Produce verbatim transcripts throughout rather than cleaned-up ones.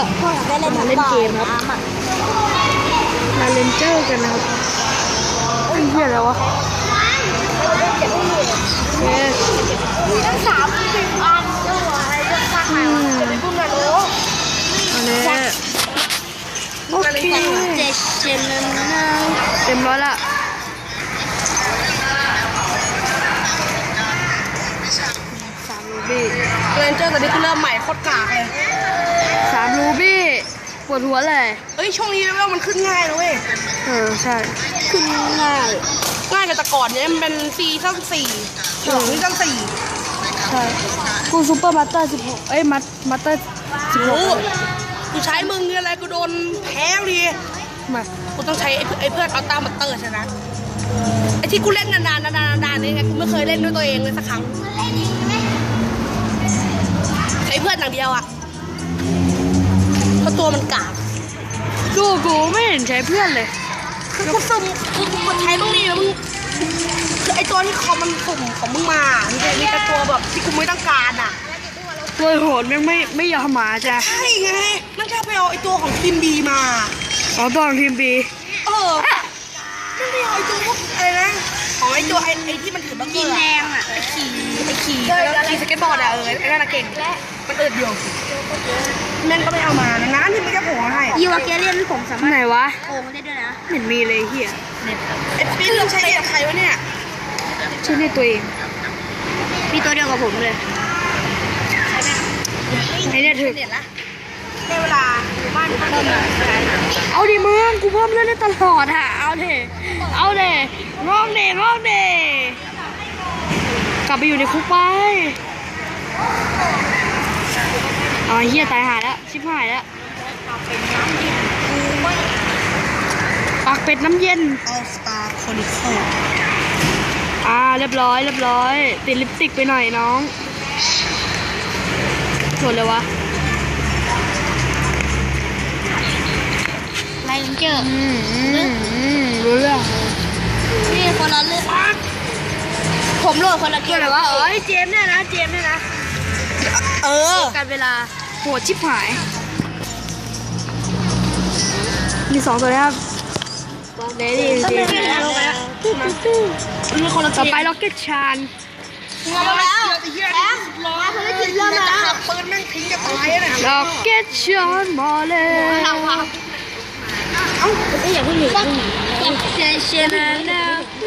พ่ออยากได้เล่นมาเล่นเกมครับมาเล่นเจอร์กันนะครับเฮ้ยเหี้ยอะไรวะเฮ้ยมีตั้งสามสิบอันด้วยจะสร้างใหม่วะจะเป็นพวกนั้นโอ้อันนี้โอเคเจ็ดเจนนะเต็มร้อยละสามรูบี้เล่นเจอร์ตอนนี้คือเริ่มใหม่โคตรกากเลยสามรูบี้ปวดหัวเลยเอ้ยช่วงนี้เลเวลมันขึ้นง่ายนะเว้ยเออใช่ขึ้นง่ายง่ายกว่าแต่ก่อนเนี่ยมันเป็นซีซั่นสี่หลังซีซั่นสี่ใช่กูซูเปอร์มาสเตอร์สิบหกเอ้ยมัตมาสเตอร์สิบหกกูใช้มึงอะไรกูโดนแพ้ดิมากูต้องใช้ไอ้เพื่อนเอาตามาเตอร์ชนะไอ้ที่กูเล่นนานๆนานๆนานๆนี่ไงกูไม่เคยเล่นด้วยตัวเองเลยสักครั้งไอ้เพื่อนอย่างเดียวอ่ะเพราะตัวมันกากดูกูไม่เห็นใช้เพื่อนเลยคือกูสุ่มกูกดใช้ตรงนี้แล้วมึงคือไอ้ตัวที่คอมมันสุ่มของมึงมามันจะมีแต่ตัวแบบที่กูไม่ต้องการอ่ะตัวโหดไม่ไม่ไม่ยอมมาจ้ะใช่ไงมันแค่ไปเอาไอ้ตัวของทีมบีมาเอาตัวของทีมบีเออมันไม่เอาไอ้ตัวพวกอะไรนะของไอ้ตัวไอ้ไอ้ที่มันถือบังเกอร์แดงอ่ะไอ้ขี่ไอ้ขี่ขี่สเก็ตบอร์ดอ่ะเออไอ้นั่นเก่งมันอึดอยู่แม่งก็ไม่เอามานะงั้นที่มันจะโผล่ให้ยูวาเกเลียนผมสามารถไหนวะโอ้ได้ด้วยนะเห็นมีเลยเฮียไอ้ปีนเราใช้กับใครวะเนี่ยใช้ในตัวเองมีตัวเดียวกับผมเลยไอ้เนี่ยถึงได้เวลาบ้านเพิ่มเอาดิมึงกูเพิ่มเรื่อยๆตลอดอ่ะเอาเถอะเอาเถอะร้องเด้ร้องเด้กลับไปอยู่ในคุกไปอ๋อเฮียตายหายแล้วชิบหายแล้วปากเป็ดน้ำเย็น All Star Chronicle อ่าเรียบร้อยเรียบร้อยติดลิปสติกไปหน่อยน้องหมดเลยวะไรเจออืมอืมรู้เรื่องนี่คนละเรื่องผมโหลดคนละเกมเลยวะเอ้ยเจมเนี่ยนะเจมเนี่ยนะเออการเวลาโหดชิบหายมีสองตัวนะครับเดดี้เจมมีคนละต่อไปล็อกเก็ตชานมาแล้วแล้วมาภารกิจเริ่มแล้วปืนแม่งทิ้งจะตายนะล็อกเก็ตชานมาเลยเอ้าไม่อยากให้หนีล็อกเก็ตชานนะ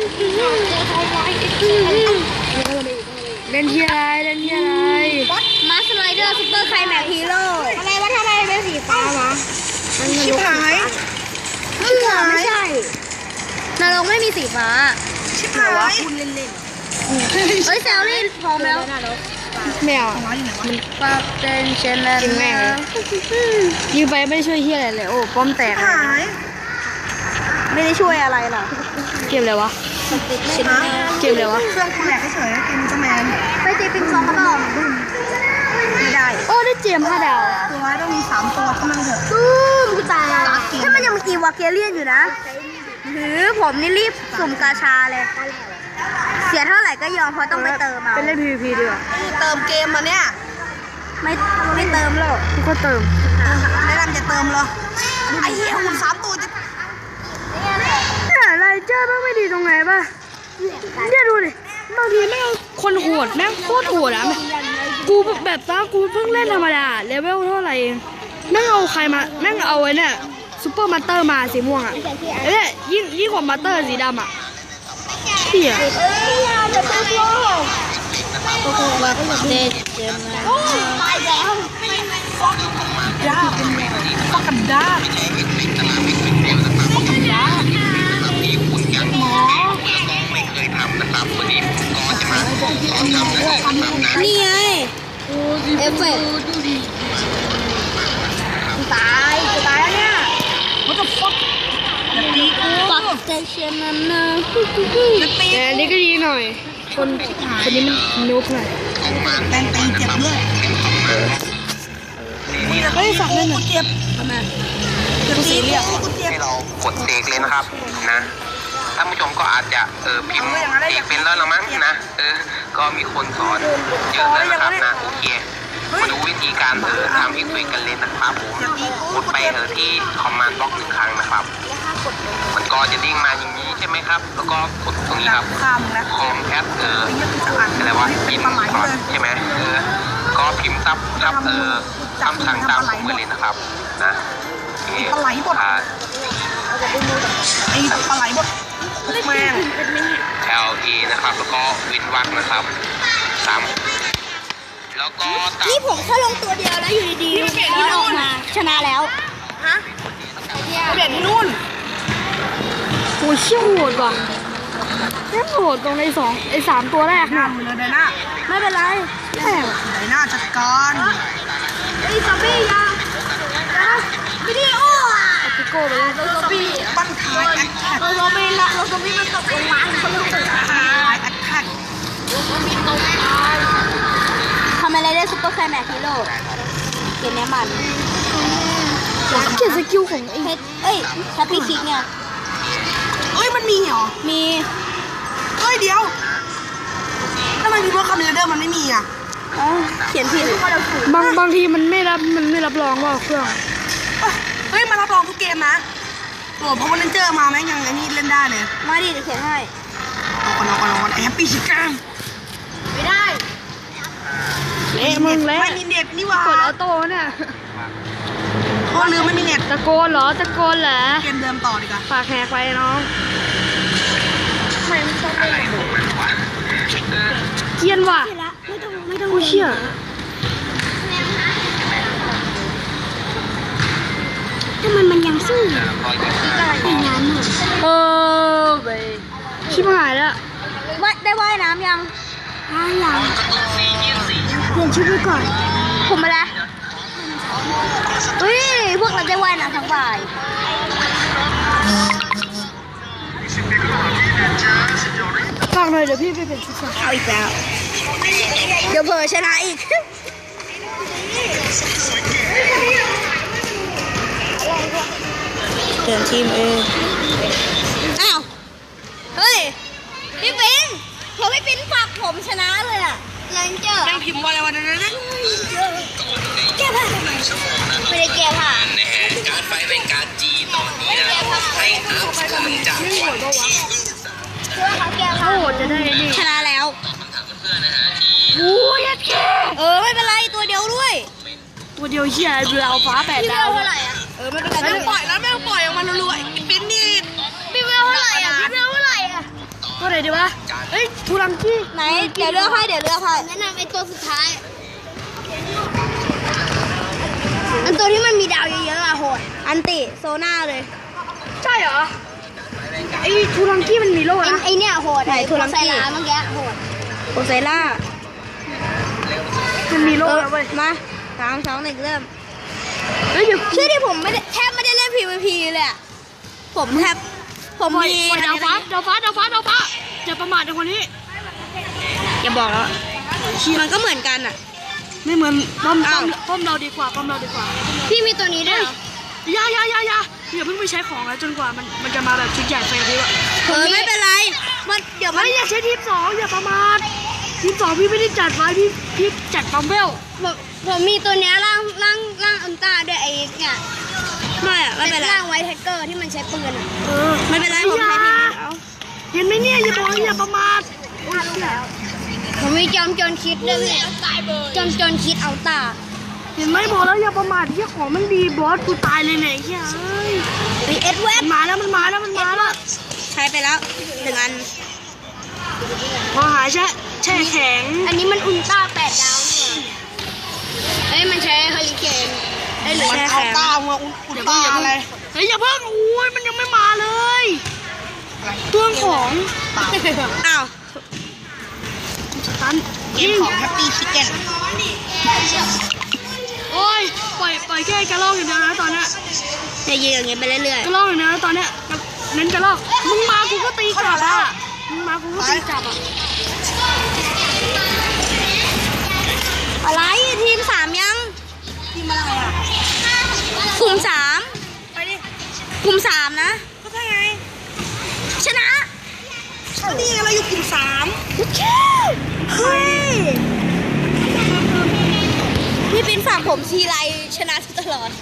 เล่นที่อะไรเล่นที่อะไรมาสไลเดอร์ซุปเปอร์ไคลแม็กฮีโร่อะไรวะทำไมเป็นสีฟ้าวะชิบหายชิบหายไม่ใช่นรกไม่มีสีฟ้าชิบหายคุณเล่นเล่นเฮ้ยแซลลี่พร้อมแล้วแมวมันปรับเต้นเชนแล้วแม่ยืมไปไม่ช่วยเฮียอะไรเลยโอ้ป้อมแตกหายไม่ได้ช่วยอะไรหรอเกมอะไรวะเกมอะไรวะเครื่องกูแหลกเฉยๆเกมจะแมนไปเจปิงซองก็ได้ไม่ได้โอ้ได้เจมห้าดาวตัวไว้ต้องมีสามตัวเท่านั้นเถอะตู้มกูตายถ้ามันยังมีวาเกเลียนอยู่นะหรือผมนี่รีบสุ่มกาชาเลยเสียเท่าไหร่ก็ยอมเพราะต้องไปเติมเอาเป็นเล่น พี วี พี ดีกว่าเติมเกมมาเนี่ยไม่ไม่เติมหรอกกูก็เติมแนะนำจะเติมเหรอไอ้เหี้ยหุ่นสามตัวจะอะไรเจ้าไม่ดีตรงไหนป่ะเนี่ยดูดิบางทีแม่งคนโหดแม่งโคตรโหดอ่ะกูแบบตากูเพิ่งเล่นธรรมดาเลเวลเท่าไหร่แม่งเอาใครมาแม่งเอาไว้เนี่ยซูเปอร์มาสเตอร์มาสีม่วงอ่ะเอ้ยยิ่งยิ่งกว่ามาสเตอร์สีดำอ่ะเหี้ยเอ้ยอย่าจะไปโลกโอ้โหแบบเด็ดเจ็บนะโอ้ยตายแล้วดาฟักกันดาฟักกันดาหมอไม่เคยทำนะครับวันนี้ก็จะมาสอนทำนะครับนี่ไงเอฟเฟกต์ตายจะตายแล้วเนี่ยมันจะฟักปักเตชันนั่นนะแต่อันนี้ก็ดีหน่อยคนคนนี้มันนุ๊กหน่อยแตงตีเจ็บด้วยเฮ้ยฝักนั่นน่ะเจ็บทำไมเจ็บสีเรียกให้เรากดเสกเลยนะครับนะท่านผู้ชมก็อาจจะเออพิมพ์เสกเป็นแล้วละมั้งนะเออก็มีคนสอนเยอะเลยนะครับนะโอเคมาดูวิธีการเออทำเอฟเฟกต์กันเลยนะครับผมกดไปเออที่คอมมานด์บล็อกหนึ่งครั้งนะครับมันก็จะดิ้งมาอย่างนี้ใช่ไหมครับแล้วก็กดตรงนี้ครับคอมแอดเอออะไรวะพิมพ์ก่อนใช่ไหมเออก็พิมพ์ซับซับเออคำสั่งตามผมเลยนะครับนะปลาไหลบดไอ้ปลาไหลบดแม่แอลเอนะครับแล้วก็วินวักนะครับสามแล้วก็นี่ผมแค่ลงตัวเดียวแล้วอยู่ดีๆมันออกมาชนะแล้วฮะเปลี่ยนที่นู่นโอ้ยเชี่ยวโหดว่ะแค่โหดตรงในสองไอ้สามตัวแรกนะเลยไดน่าไม่เป็นไรไดน่าจัดการไอ้ซอมบี้ยาวิดีโออ่ะพิโก้ไปเลยซอมบี้ปั้นท้ายแอคแท็กเราซอมบี้ละเราซอมบี้มันตกลงมาเขาลงตึกท้ายแอคแท็กทำอะไรได้ซุปเปอร์แคร์แม็กฮีโร่เกมนี้มันเกมสกิลของไอ้เฮดเอ้ยแฮปปี้คิกเนี่ยเอ้ยมันมีเหรอมีเอ้ยเดี๋ยวทำไมมีพวกคอมพิวเตอร์มันไม่มีอ่ะเขียนผิดบางบางทีมันไม่รับมันไม่รับรองว่าเครื่องเฮ้ยมารับรองทุกเกมนะโอ้เพราะว่าเล่นเจอมาแม่งยังไงนี่เล่นได้เลยมาดิเดี๋ยวเขียนให้เอาก่อนเอาก่อนเอาก่อนแฮปปี้คิกกันไม่ได้เละมึงเละไม่มีเน็ตนี่ว่ากดออโต้เนี่ยเพราะลืมไม่มีเน็ตตะโกนเหรอตะโกนเหรอเกมเดิมต่อดีกว่าฝากแหกไปน้องไม่ต้องอะไรของมันวะเกียนว่ะไม่ต้องไม่ต้องกูเชื่อถ้ามันมันยังสู้เป็นงานหมดเออไปชิบหายแล้วว่าได้ว่ายน้ำยังว่ายยังเปลี่ยนชุดไปก่อนผมมาแล้วเฮ้ยพวกเราได้ว่ายน้ำทั้งบ่ายฝากหน่อยเดี๋ยวพี่ไปเปลี่ยนชุดก่อนเอาอีกแล้วเดี๋ยวเผลอชนะอีกเปลี่ยนทีมเองอ้าวเฮ้ยพี่ปิ๊นพอพี่ปิ๊นฝากผมชนะเลยอะเลนเจอร์นั่งพิมพ์ว่าอะไรวะนั่นนั่นแก้ผ้าไม่ได้แก้ผ้าการไฟเป็นการจีตอนนี้นะให้อัพขึ้นจากวันที่เพื่อเขาแก้ผ้าโหดจะได้นี่ชนะแล้วโอ้ยแค่เออไม่เป็นไรตัวเดียวด้วยตัวเดียวเชี่ยเรือเอาฟ้าแปดดาวเท่าไหร่อะเออไม่เป็นไรไม่ปล่อยแล้วไม่ปล่อยออกมารัวๆปิ้นนี่พี่เวลเท่าไหร่อะพี่เวลเท่าไหร่อะตัวไหนดีวะเอ้ยทูรังกี้ไหนเดี๋ยวเลือกให้เดี๋ยวเลือกให้แนะนำไอ้ตัวสุดท้ายอันตัวที่มันมีดาวเยอะๆอะโหดอันติโซน่าเลยใช่เหรอไอ้ทูรังกี้มันมีโล่นะไอ้เนี่ยโหดไอ้ทูรังกี้เมื่อกี้โหดโอไซล่ามันมีโล่แล้วเว้ยมาสามสองหนึ่งเริ่มเฮ้ยเชื่อที่ผมไม่ได้แทบไม่ได้เล่น พี วี พี เลยอะผมแทบผมมีดาวฟ้าดาวฟ้าดาวฟ้าดาวฟ้าอย่าประมาทในคนนี้อย่าบอกแล้วมันก็เหมือนกันอะไม่เหมือนป้อมป้อมป้อมเราดีกว่าป้อมเราดีกว่าพี่มีตัวนี้ด้วยยายายายาอย่าเพิ่งไปใช้ของแล้วจนกว่ามันมันจะมาแบบชุดใหญ่ไฟดีวะเออไม่เป็นไรมันเดี๋ยวมันอย่าใช้ทีมสองอย่าประมาททีมสองพี่ไม่ได้จัดไว้พี่พี่จัดปั๊มเบลผมผมมีตัวนี้ร่างร่างร่างอันตาด้วยไอ้เนี่ยไม่อะไม่เป็นไรร่างไวท์แท็กเกอร์ที่มันใช้ปืนอะเออไม่เป็นไรผมใช้ทีมเอาเห็นไหมเนี่ยอย่าบอกอย่าประมาทผมมีจอมโจรคิดด้วยจอมโจรคิดเอาตาเห็นไหมบอกแล้วอย่าประมาทที่ของมันดีบอสกูตายเลยเนี่ยเฮ้ยไอเอ็ดเวดมาแล้วมันมาแล้วมันมาแล้วใช้ไปแล้วหนึ่งอันพอหายแช่แช่แข็งอันนี้มันอุลตร้าแปดดาวเนี่ยเอ้ยมันใช้เฮลิเคนไอ้หรือเอาตามาอุลตร้าอะไรเฮ้ยอย่าเพิ่งอุ้ยมันยังไม่มาเลยเครื่องของอ้าวตันเกมของแฮปปี้ชิคเก้นโอ้ยปล่อยปล่อยแค่กระรอกอย่างเดียวนะตอนเนี้ยจะยืนอย่างเงี้ยไปเรื่อยๆกระรอกอย่างเดียวนะตอนเนี้ยเน้นกระรอกมึงมากูก็ตีกลับอ่ะมึงมากูก็ตีกลับอ่ะอะไรทีมสามยังทีมอะไรอ่ะกลุ่มสามไปดิกลุ่มสามนะก็ใช่ไงชนะก็นี่เราอยู่กลุ่มสามเฮ้ยบินฝั่งผมทีไรชนะตลอด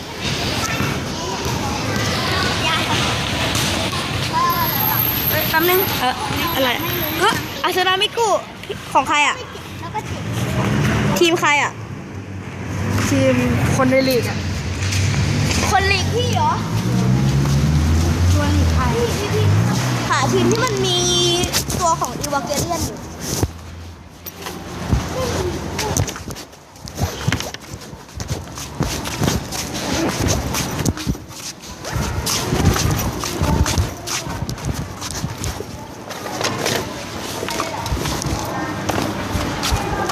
แป๊บนึงเอออะไรเอออาซานามิกุของใครอ่ะทีมใครอ่ะทีมคนในลีกอ่ะคนลีกพี่เหรอชวนใครค่ะทีมที่มันมีตัวของอีวาเกเลียนอยู่